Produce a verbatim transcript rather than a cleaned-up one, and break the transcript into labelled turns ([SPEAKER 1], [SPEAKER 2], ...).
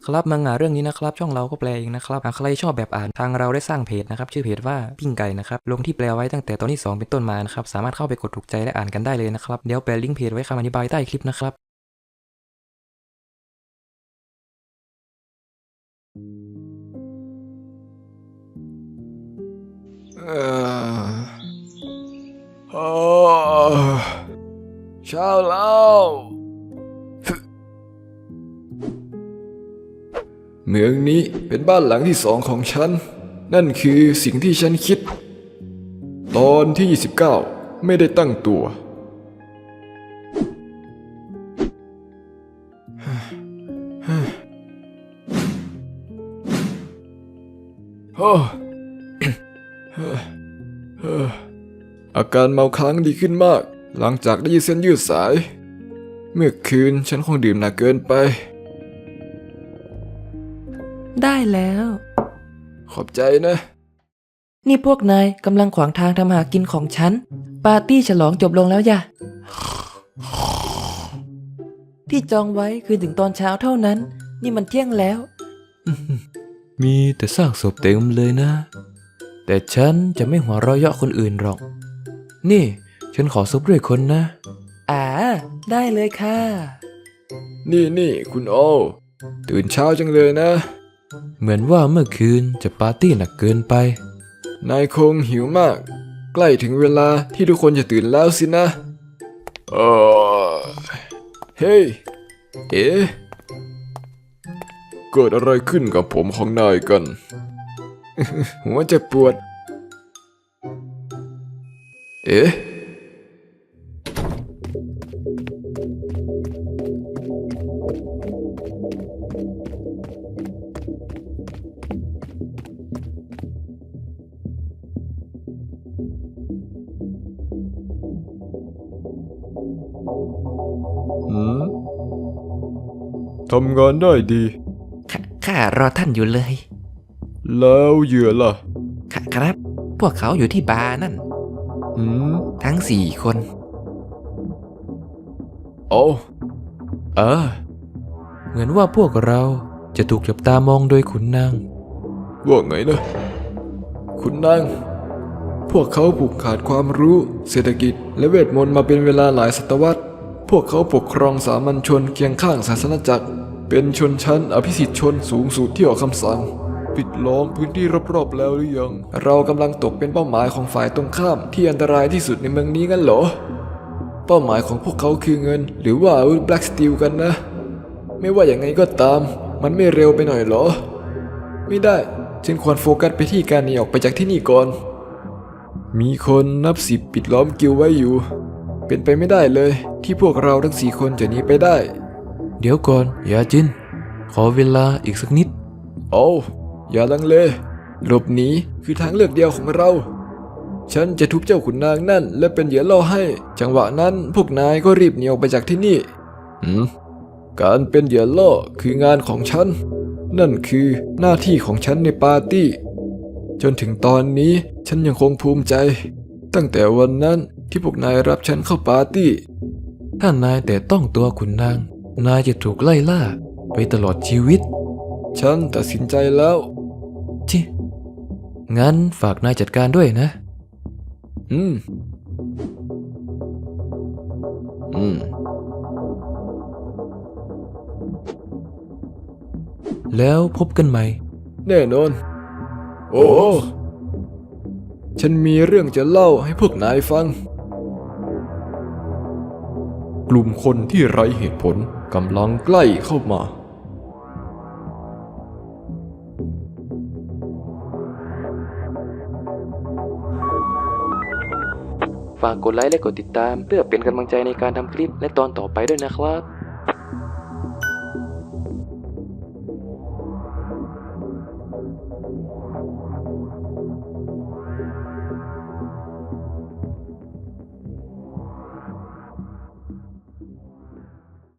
[SPEAKER 1] ครับมังงะเรื่องนี้นะครับช่องเราก็แปลเองนะครับหากใครชอบแบบอ่านทางเราได้สร้างเพจนะครับชื่อเพจว่าปิ้งไก่นะครับลงที่แปลไว้ตั้งแต่ตอนที่สองเป็นต้นมานะครับสามารถเข้าไปกดถูกใจและอ่านกันได้เลยนะครับเดี๋ยวแปะลิงก์เพจไว้คำอธิบายใต้คลิปนะครับ
[SPEAKER 2] เออโอ้เช้าแล้วเมืองนี้เป็นบ้านหลังที่สองของฉันนั่นคือสิ่งที่ฉันคิดตอนที่ยี่สิบเก้าไม่ได้ตั้งตัวโอ้อาการเมาค้างดีขึ้นมากหลังจากได้ยืดเส้นยืดสายเมื่อคืนฉันคงดื่มหนักเกินไป
[SPEAKER 1] ได้แล้ว
[SPEAKER 2] ขอบใจนะ
[SPEAKER 1] นี่พวกนายกำลังขวางทางทำหากินของฉันปาร์ตี้ฉลองจบลงแล้วย่ะที่จองไว้คือถึงตอนเช้าเท่านั้นนี่มันเที่ยงแล้วมีแต่ซากศพเต็มเลยนะแต่ฉันจะไม่หัวเราะเยาะคนอื่นหรอกนี่ฉันขอซุปด้วยคนนะอ่าได้เลยค่ะ
[SPEAKER 2] นี่นี่คุณโอตื่นเช้าจังเลยนะ
[SPEAKER 1] เหมือนว่าเมื่อคืนจะปาร์ตี้หนักเกินไป
[SPEAKER 2] นายคงหิวมากใกล้ถึงเวลาที่ทุกคนจะตื่นแล้วสินะเออเฮ้ยเอ๊ะเกิดอะไรขึ้นกับผมของนายกัน หัวจะปวดเอ๊ะหืมทำงานได้ดี
[SPEAKER 1] ข้ารอท่านอยู่เลย
[SPEAKER 2] แล้วเหยื่อล่ะ
[SPEAKER 1] ค่ะครับ พวกเขาอยู่ที่บาร์นั่น
[SPEAKER 2] หืม
[SPEAKER 1] ทั้งสี่คน
[SPEAKER 2] โอ้
[SPEAKER 1] เออ เหมือนว่าพวกเราจะถูกจับตามองโดยขุนนาง
[SPEAKER 2] ว่าไงนะคุณนางพวกเขาผูกขาดความรู้เศรษฐกิจและเวทมนต์มาเป็นเวลาหลายศตวรรษพวกเขาปกครองสามัญชนเคียงข้างศาสนจักรเป็นชนชั้นอภิสิทธิชนสูงสุดที่ออกคำสั่งปิดล้อมพื้นที่รอบๆแล้วหรือยังเรากำลังตกเป็นเป้าหมายของฝ่ายตรงข้ามที่อันตรายที่สุดในเมืองนี้งั้นเหรอเป้าหมายของพวกเขาคือเงินหรือว่าอาวุธแบล็กสตีลกันนะไม่ว่าอย่างไงก็ตามมันไม่เร็วไปหน่อยเหรอไม่ได้ฉันควรโฟกัสไปที่การหนีออกไปจากที่นี่ก่อนมีคนนับสิบปิดล้อมกิลไว้อยู่เป็นไปไม่ได้เลยที่พวกเราทั้งสี่คนจะหนีไปได้
[SPEAKER 1] เดี๋ยวก่อนอย่าจินขอเวลาอีกสักนิด
[SPEAKER 2] โอ้อย่าลังเลหลบหนีคือทางเลือกเดียวของเราฉันจะทุบเจ้าขุนนางนั่นและเป็นเหยื่อล่อให้จังหวะนั้นพวกนายก็รีบหนีออกไปจากที่นี่หืมการเป็นเหยื่อล่อคืองานของฉันนั่นคือหน้าที่ของฉันในปาร์ตี้จนถึงตอนนี้ฉันยังคงภูมิใจตั้งแต่วันนั้นที่พวกนายรับฉันเข้าปาร์ตี้
[SPEAKER 1] ถ้านายแต่ต้องตัวขุนนางนายจะถูกไล่ล่าไปตลอดชีวิต
[SPEAKER 2] ฉันตัดสินใจแล้ว
[SPEAKER 1] จิงั้นฝากนายจัดการด้วยนะ
[SPEAKER 2] อืมอืม
[SPEAKER 1] แล้วพบกันใหม่
[SPEAKER 2] แน่นอนโอ้ฉันมีเรื่องจะเล่าให้พวกนายฟังกลุ่มคนที่ไร้เหตุผลกำลังใกล้เข้ามา
[SPEAKER 1] ฝากกดไลค์และกดติดตามเพื่อเป็นกำลังใจในการทำคลิปและตอนต่อไปด้วยนะครับ